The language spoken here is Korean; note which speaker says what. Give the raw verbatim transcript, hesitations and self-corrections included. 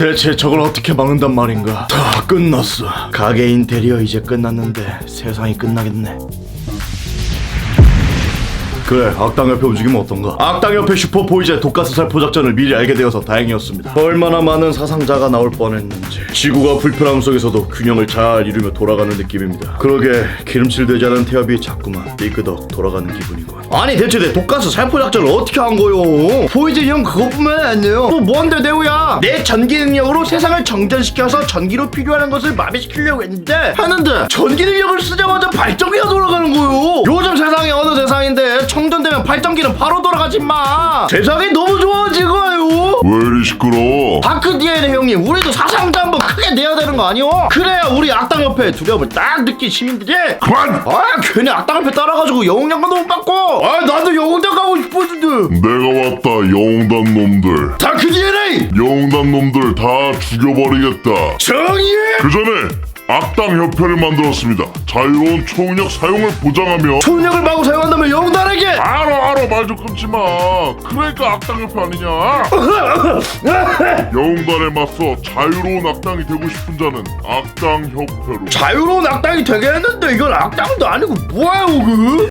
Speaker 1: 대체 저걸 어떻게 막는단 말인가? 다 끝났어. 가게 인테리어 이제 끝났는데 세상이 끝나겠네. 그래, 악당협회 움직이면 어떤가? 악당협회 슈퍼보이즈의 독가스 살포 작전을 미리 알게 되어서 다행이었습니다. 얼마나 많은 사상자가 나올 뻔했는지. 지구가 불편함 속에서도 균형을 잘 이루며 돌아가는 느낌입니다. 그러게 기름칠되지 않은 태엽이 자꾸만 삐끄덕 돌아가는 기분이군. 아니 대체 내 독가스 살포 작전을 어떻게 한 거요? 보이즈 형 그것뿐만 아니에요. 또 뭔데 내우야? 내 전기 능력으로 세상을 정전시켜서 전기로 필요한 것을 마비시키려고 했는데 하는데 전기 능력을 쓰자마자 발전기가 돌아가는 거요. 요즘 세상이 어느 세상인데 충전되면 발전기는 바로 돌아가지 마. 세상이 너무 좋아지고요.
Speaker 2: 왜 이리 시끄러워?
Speaker 1: 다크 디엔에이 형님, 우리도 사상자 한번 크게 내야 되는 거 아니오? 그래야 우리 악당협회의 두려움을 딱 느낀 시민들이
Speaker 2: 그만!
Speaker 1: 아 괜히 악당협회 따라가지고 영웅장관도 못 받고 아 나도 영웅장 가고 싶었는데.
Speaker 2: 내가 왔다, 영웅단 놈들.
Speaker 1: 다크 디엔에이
Speaker 2: 영웅단 놈들 다 죽여버리겠다.
Speaker 1: 정의해.
Speaker 2: 그 전에 악당 협회를 만들었습니다. 자유로운 초능력 사용을 보장하며.
Speaker 1: 초능력을 마구 사용한다면 영웅단에게
Speaker 2: 알아 알아, 말 좀 끊지 마. 그러니까 악당 협회 아니냐? 영웅단에 맞서 자유로운 악당이 되고 싶은 자는 악당 협회로.
Speaker 1: 자유로운 악당이 되게 했는데 이건 악당도 아니고 뭐예요 그?